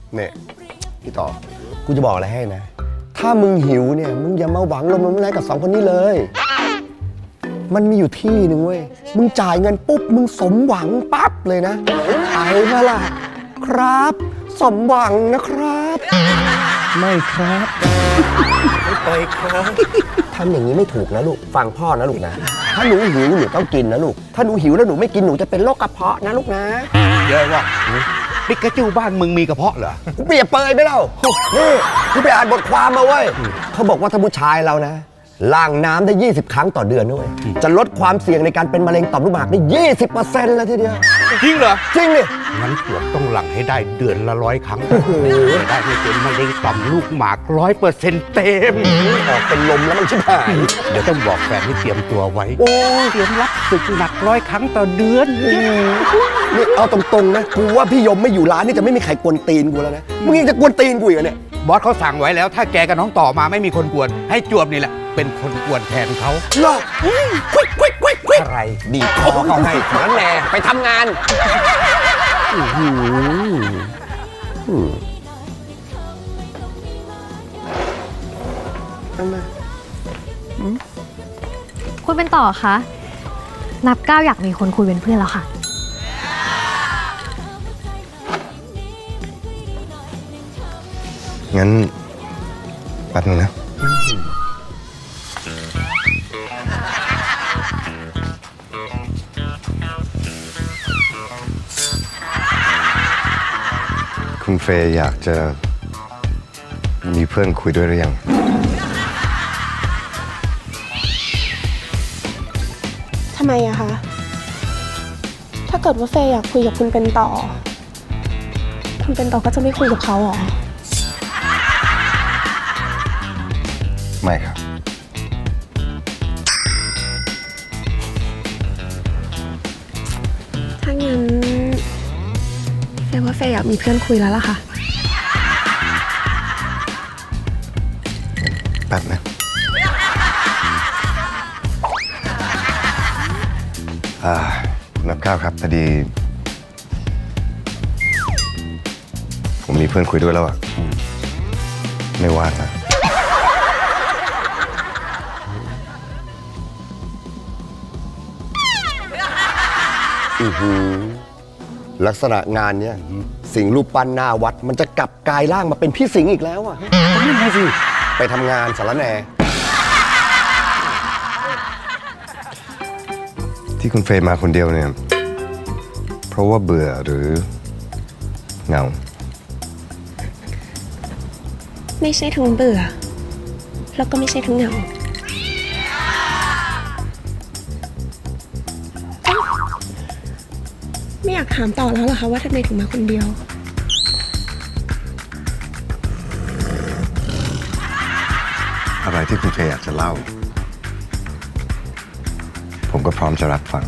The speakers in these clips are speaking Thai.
เนี่ยพี่ต่อกูจะบอกอะไรให้นะ ถ้ามึงหิวเนี่ยมึงอย่ามาหวังลมๆแรงกับ2 คนนี้เลย มันมีอยู่ที่หนึ่งเว้ยมึงจ่ายเงินปุ๊บมึงสมหวังปั๊บเลยนะไปมาล่ะครับสมหวังนะครับ ไม่ครับไม่ไปครับทำอย่างนี้ไม่ถูกนะลูกฟังพ่อนะลูกนะถ้าหนูหิวหนูต้องกินนะลูกถ้าหนูหิวแล้วหนูไม่กินหนูจะเป็นโรคกระเพาะนะลูกนะเยอะว่ะปิกาจูบ้านมึงมีกระเพาะเหรอกูเปรียบเปยไปแล้วนี่กูไปอ่านบทความมาเว้ยเขาบอกว่าถ้าผู้ชายเรานะล้างน้ำได้20 ครั้งต่อเดือนด้วยจะลดความเสี่ยงในการเป็นมะเร็งต่อมลูกหมากได้ 20% เลยทีเดียวจริงเหรอจริงดิงั้นจวบต้องหลั่งให้ได้เดือนละ100 ครั้งจะได้ไม่เป็นมะเร็งต่อมลูกหมาก100%เต็มออกเป็นลมแล้วมันชิบหายเดี๋ยวต้องบอกแฟนให้เตรียมตัวไว้โอ้ยเตรียมรับศึกหนัก100 ครั้งต่อเดือนนี่เอาตรงๆนะกูว่าพี่ยมไม่อยู่ร้านนี่จะไม่มีใครกวนตีนกูแล้วนะมึงยังจะกวนตีนกูอีกเหรอเนี่ยบอสเขาสั่งไว้แล้ว ถ้าแกกับน้องต่อมาไม่มีคนกวน ให้จวบนี่แหละ เป็นคนกวนแทนเขาหรอควิกควิกควิกควิกอะไรดีคอเขาให้นั่นแน่ไปทำงานทำไมคุณเป็นต่อคะนับก้าวอยากมีคนคุยเป็นเพื่อนแล้วค่ะงั้นแป๊บนึงนะคุณเฟย์อยากจะมีเพื่อนคุยด้วยหรือยังทำไมอะคะ ถ้าเกิดว่าเฟย์อยากคุยกับคุณเป็นต่อ คุณเป็นต่อก็จะไม่คุยกับเขาหรอไม่ครับถ้างั้นเฟย์ว่าเฟย์อยากมีเพื่อนคุยแล้วล่ะค่ะแป๊บนะนับก้าวครับพอดี ผมมีเพื่อนคุยด้วยแล้วอะไม่ว่างนะลักษณะงานเนี้ยสิงห์รูปปั้นหน้าวัด มันจะกลับกายร่างมาเป็นพี่สิงห์อีกแล้วอะนั่นไงสิไปทำงานสารแหน่ที่คุณเฟย์มาคนเดียวเนี่ย เพราะว่าเบื่อหรือเหงาไม่ใช่ทั้งเบื่อ แล้วก็ไม่ใช่ทั้งเหงาไม่อยากถามต่อแล้วเหรอคะว่าทำไมถึงมาคนเดียวอะไรที่คุณเฟย์อยากจะเล่า ผมก็พร้อมจะรับฟัง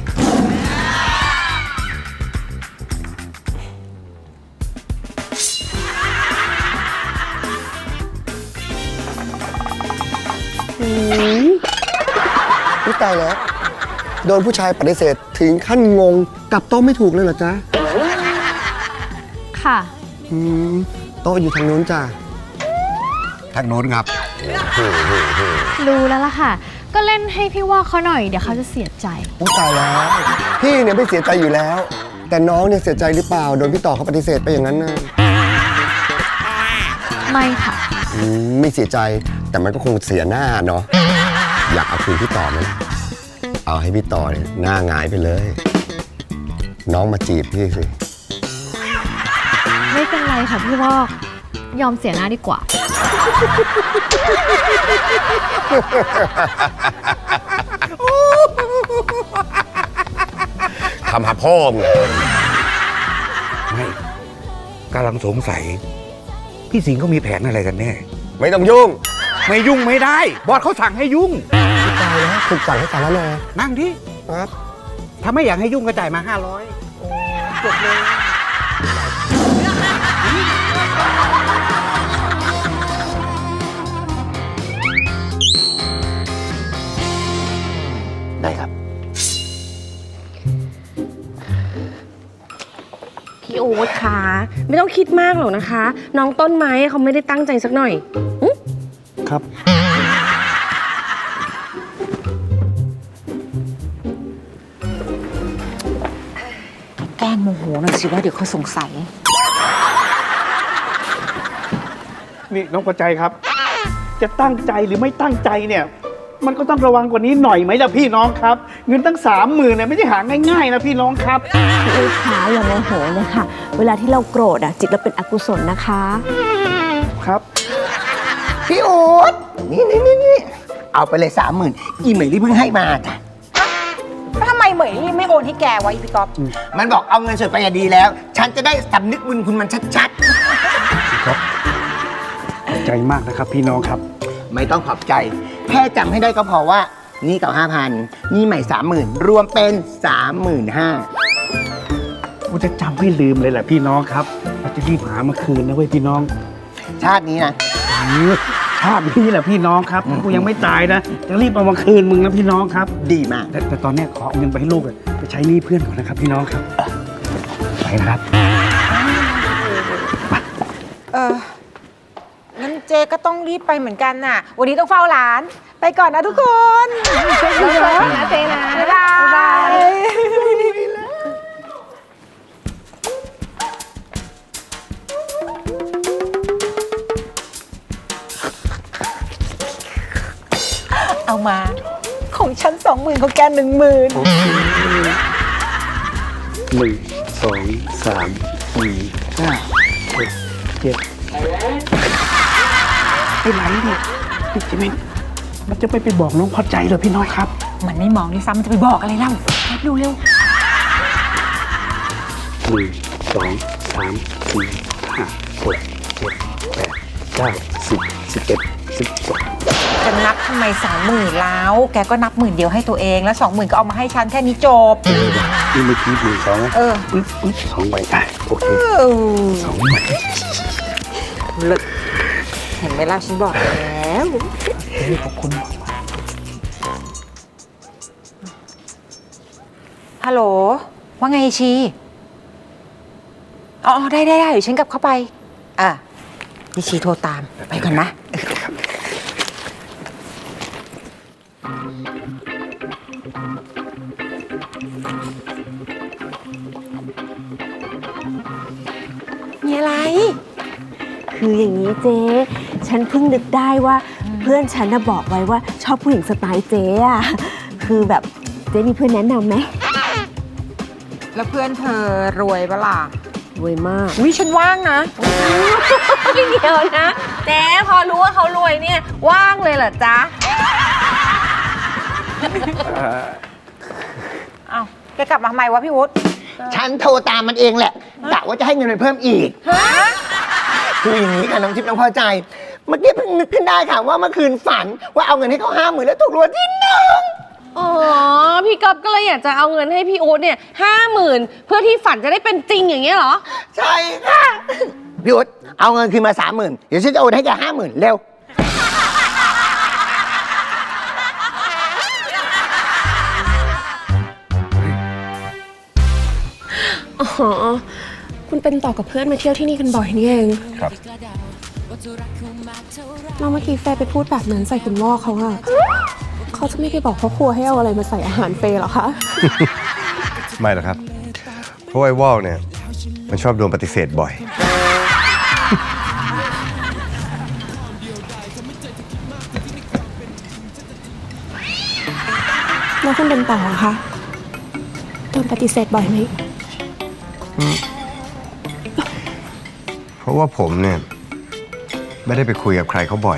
นี่ตายแล้ว โดนผู้ชายปฏิเสธถึงขั้นงงกลับโต๊ะไม่ถูกเลยเหรอจ๊ะค่ะโต๊ะอยู่ทางนู้นจ้ะทางโน้นครับรู้แล้วล่ะค่ะ ก็เล่นให้พี่ว่าเขาหน่อยเดี๋ยวเขาจะเสียใจอุ๊ยตายแล้ว พี่เนี่ยไม่เสียใจอยู่แล้ว แต่น้องเนี่ยเสียใจหรือเปล่า โดนพี่ต่อเขาปฏิเสธไปอย่างนั้นนะไม่ค่ะไม่เสียใจแต่มันก็คงเสียหน้าเนาะอยากเอาคืนพี่ต่อไหมเอาให้พี่ต่อเนี่ยหน้าหงายไปเลย น้องมาจีบพี่สิไม่เป็นไรค่ะพี่วอกยอมเสียหน้าดีกว่าทำหาพ่อมึงไม่กำลังสงสัย พี่สิงห์เขามีแผนอะไรกันแน่ไม่ต้องยุ่งไม่ยุ่งไม่ได้ บอสเขาสั่งให้ยุ่งพี่ตายแล้วถูกสั่งให้สารแหน่นั่งที่ครับถ้าไม่อยากให้ยุ่งก็จ่ายมา500จบเลยได้ครับพี่พี่โอ๊ตคะไม่ต้องคิดมากหรอกนะคะ น้องต้นไม้เขาไม่ได้ตั้งใจสักหน่อยครับแกล้งโมโหหน่อยสิว่าเดี๋ยวเขาสงสัยนี่น้องประใจครับ จะตั้งใจหรือไม่ตั้งใจเนี่ย มันก็ต้องระวังกว่านี้หน่อยไหมล่ะพี่น้องครับ เงินตั้ง30,000เนี่ยไม่ได้หาง่ายๆนะพี่น้องครับพี่อู๊ดคะอย่าโมโหเลยค่ะ เวลาที่เราโกรธอะจิตเราเป็นอกุศลนะคะครับพี่อู๊ดนี่เอาไปเลย30,000อีเหมยที่เพิ่งให้มาจ้ะแล้วทำไมเหมยไม่โอนให้แกวะอีพี่ก๊อฟมันบอกเอาเงินสดไปอะดีแล้ว ฉันจะได้สำนึกบุญคุณมันชัดใจมากนะครับพี่น้องครับๆ ไม่ต้องขอบใจ แค่จำให้ได้ก็พอว่า นี่เก่า5,000นี่ใหม่30,000รวมเป็น35,000 กูจะจำไม่ลืมเลยแหละพี่น้องครับเราจะรีบหามาคืนนะเว้ยพี่น้องชาตินี้นะชาตินี้แหละพี่น้องครับกูยังไม่ตายนะจะรีบเอามาคืนมึงนะพี่น้องครับดีมากแต่ตอนเนี้ยขอเอาเงินไปให้ลูกอะไปใช้หนี้เพื่อนก่อนนะครับพี่น้องครับไปนะครับงั้นเจก็ต้องรีบไปเหมือนกันน่ะ วันนี้ต้องเฝ้าร้าน ไปก่อนนะทุกคนนะเจนะบ๊ายบาย เอามา ของฉัน20,000ของแก10,000 1 2 3 4 5 6 7ไอ้ไหลเนี่ยพี่จิมินมันจะไปบอกน้องพอใจเหรอพี่น้องครับมันไม่มองด้วยซ้ำมันจะไปบอกอะไรเล่าดูเร็ว 1 2 3 4 5 6 7 8 9 10 11 12 จะนับทำไม20,000แล้ว แกก็นับ10,000เดียวให้ตัวเองแล้ว20,000ก็เอามาให้ฉันแค่นี้จบนี่เมื่อกี้1 2นะเออ 2ใบอ่ะโอเค2ใบเห็นไหมล่ะฉันบอกแล้วขอบคุณฮัลโหล ว่าไงชีอ๋อได้เดี๋ยวฉันกลับเข้าไปพี่ชีโทรตาม ไปก่อนนะ มีอะไรคืออย่างนี้เจ๊ ฉันเพิ่งนึกได้ว่าเพื่อนฉันน่ะบอกไว้ว่าชอบผู้หญิงสไตล์เจ๊อะคือแบบเจ๊มีเพื่อนแนะนำไหมแล้วเพื่อนเธอรวยปะล่ะรวยมากวิฉันว่างนะเดี๋ยวนะเจ๊พอรู้ว่าเขารวยเนี่ยว่างเลยเหรอจ๊ะเอ้าแกกลับมาทำไมวะพี่วุฒิฉันโทรตามมันเองแหละกะว่าจะให้เงินมันเพิ่มอีก คืออย่างนี้ค่ะน้องทิพย์น้องพอใจ เมื่อกี้เพิ่งนึกขึ้นได้ค่ะว่าเมื่อคืนฝันว่าเอาเงินให้เขา50,000แล้วถูกรางวัลที่ 1 อ๋อ พี่ก๊อฟก็เลยอยากจะเอาเงินให้พี่อู๊ดเนี่ย50,000เพื่อที่ฝันจะได้เป็นจริงอย่างเงี้ยเหรอใช่ค่ะพี่อุ๊ดเอาเงินคืนมา30,000เดี๋ยวฉันจะโอนให้แก50,000เร็วอ๋อ คุณเป็นต่อกับเพื่อนมาเที่ยวที่นี่กันบ่อยนี่เองครับเราเมื่อกี้เฟย์ไปพูดแบบนั้นใส่คุณวอกเขาอะเขาจะไม่ไปบอกพ่อครัวให้เอาอะไรมาใส่อาหารเฟย์หรอคะไม่หรอกครับ เพราะไอ้วอลเนี่ย มันชอบโดนปฏิเสธบ่อยแล้วคุณเป็นต่อเหรอคะโดนปฏิเสธบ่อยไหมเพราะว่าผมเนี่ย ไม่ได้ไปคุยกับใครเขาบ่อย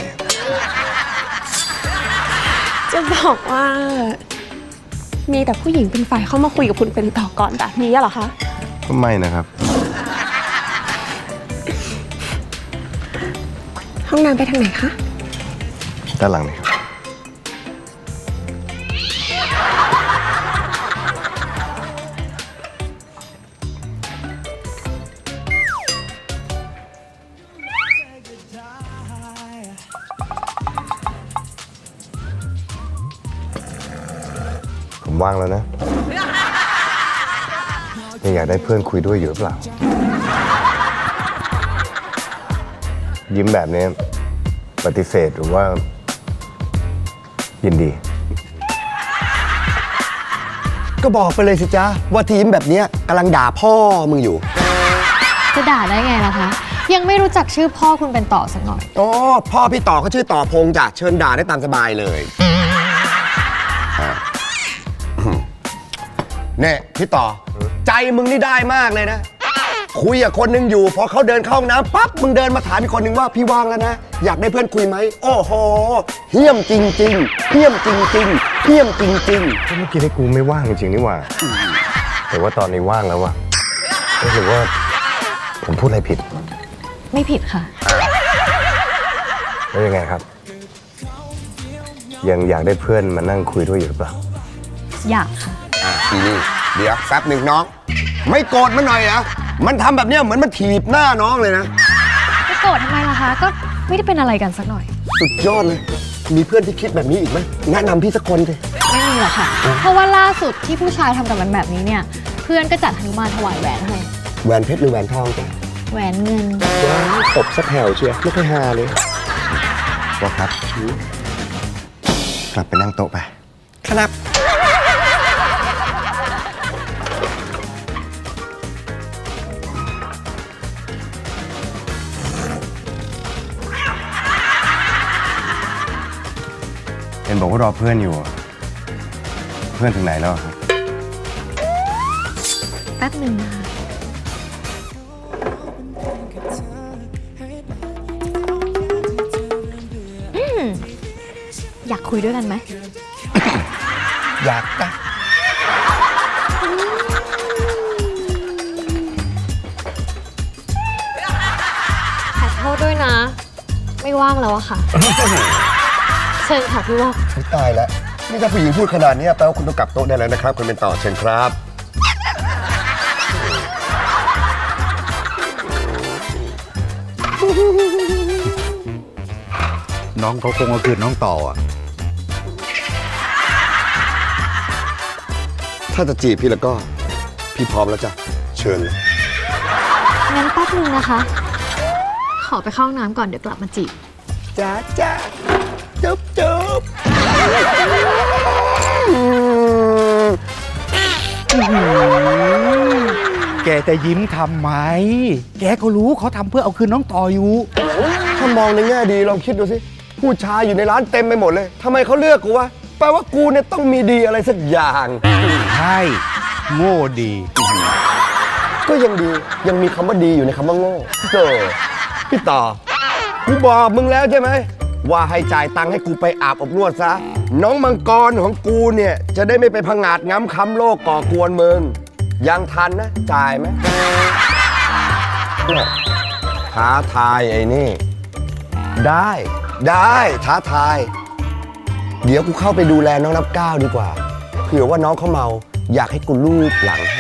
จะบอกว่า มีแต่ผู้หญิงเป็นฝ่ายเข้ามาคุยกับคุณเป็นต่อก่อนแบบนี้เหรอคะก็ไม่นะครับห้องน้ำไปทางไหนคะด้านหลังนี่ครับ ผมว่างแล้วนะยังอยากได้เพื่อนคุยด้วยอยู่หรือเปล่า ยิ้มแบบนี้ปฏิเสธหรือว่า ยินดี ก็บอกไปเลยสิจ๊ะ ว่าทีมแบบเนี้ยกำลังด่าพ่อมึงอยู่จะด่าได้ไงล่ะคะ ยังไม่รู้จักชื่อพ่อคุณเป็นต่อสักหน่อยอ๋อ พ่อพี่ต่อเขาชื่อต่อพงษ์จ้ะ เชิญด่าได้ตามสบายเลยอ่ะเนี่ยพี่ต่อ ใจมึงนี่ได้มากเลยนะ คุยกับคนหนึงอยู่ พอเขาเดินเข้าห้องน้ำปั๊บมึงเดินมาถามอีกคนหนึ่งว่าพี่ว่างแล้วนะ อยากได้เพื่อนคุยไหม โอ้โหเหี้ยมจริงๆเหี้ยมจริงๆเหี้ยมจริงๆก็เมื่อกี้ให้กูไม่ว่างจริงๆนี่หว่า แต่ว่าตอนนี้ว่างแล้วว่ะหรือว่าผมพูดอะไรผิดไม่ผิดค่ะแล้วยังไงครับ ยังอยากได้เพื่อนมานั่งคุยด้วยอยู่หรือเปล่าอยากค่ะทีนี่เดี๋ยวแป๊บหนึ่งน้อง ไม่โกรธมันหน่อยเหรอมันทำแบบเนี้ยเหมือนมันถีบหน้าน้องเลยนะจะโกรธทำไมล่ะคะ ก็ไม่ได้เป็นอะไรกันสักหน่อยสุดยอดเลย มีเพื่อนที่คิดแบบนี้อีกไหมแนะนำพี่สักคนสิไม่มีหรอกค่ะ เพราะว่าล่าสุดที่ผู้ชายทำกับมันแบบนี้เนี่ย เพื่อนก็จัดหนุมานถวายแหวนให้แหวนเพชรหรือแหวนทองจ้ะแหวนเงินว้าวตบสักแถวเชียวไม่ค่อยฮาเลยว่าครับ กลับไปนั่งโต๊ะไป ครับ เห็นบอกว่ารอเพื่อนอยู่อะเพื่อนถึงไหนแล้วครับแป๊บหนึ่งนะคะอยากคุยด้วยกันไหมอยากจ้ะขอโทษด้วยนะ ไม่ว่างแล้วอะค่ะ เชิญค่ะพี่วอกตายแล้ว นี่ถ้าผู้หญิงพูดขนาดนี้แปลว่าคุณต้องกลับโต๊ะได้แล้วนะครับ คุณเป็นต่อเชิญครับน้องเขาคงเอาคืนน้องต่ออ่ะถ้าจะจีบพี่แล้วก็ พี่พร้อมแล้วจ้ะ เชิญเลยงั้นแป๊บนึงนะคะ ขอไปเข้าห้องน้ำก่อนเดี๋ยวกลับมาจีบจ้าจ้าจุ๊บจุ๊บแกจะยิ้มทำไม แกก็รู้เขาทำเพื่อเอาคืนน้องต่ออยู่ถ้ามองในแง่ดีลองคิดดูสิ ผู้ชายอยู่ในร้านเต็มไปหมดเลยทำไมเขาเลือกกูวะ แปลว่ากูเนี่ยต้องมีดีอะไรสักอย่างใช่ โง่ดีก็ยังดี ยังมีคำว่าดีอยู่ในคำว่าโง่เจอพี่ต่อ กูบอกมึงแล้วใช่ไหม ว่าให้จ่ายตังค์ให้กูไปอาบอบนวดซะ น้องมังกรของกูเนี่ย จะได้ไม่ไปพังงาดง้ำค้ำโลกก่อกวนมึง ยังทันนะ จ่ายไหมเนี่ยท้าทายไอ้นี่ ได้ท้าทาย เดี๋ยวกูเข้าไปดูแลน้องนับก้าวดีกว่า เผื่อว่าน้องเขาเมา อยากให้กูลูบหลัง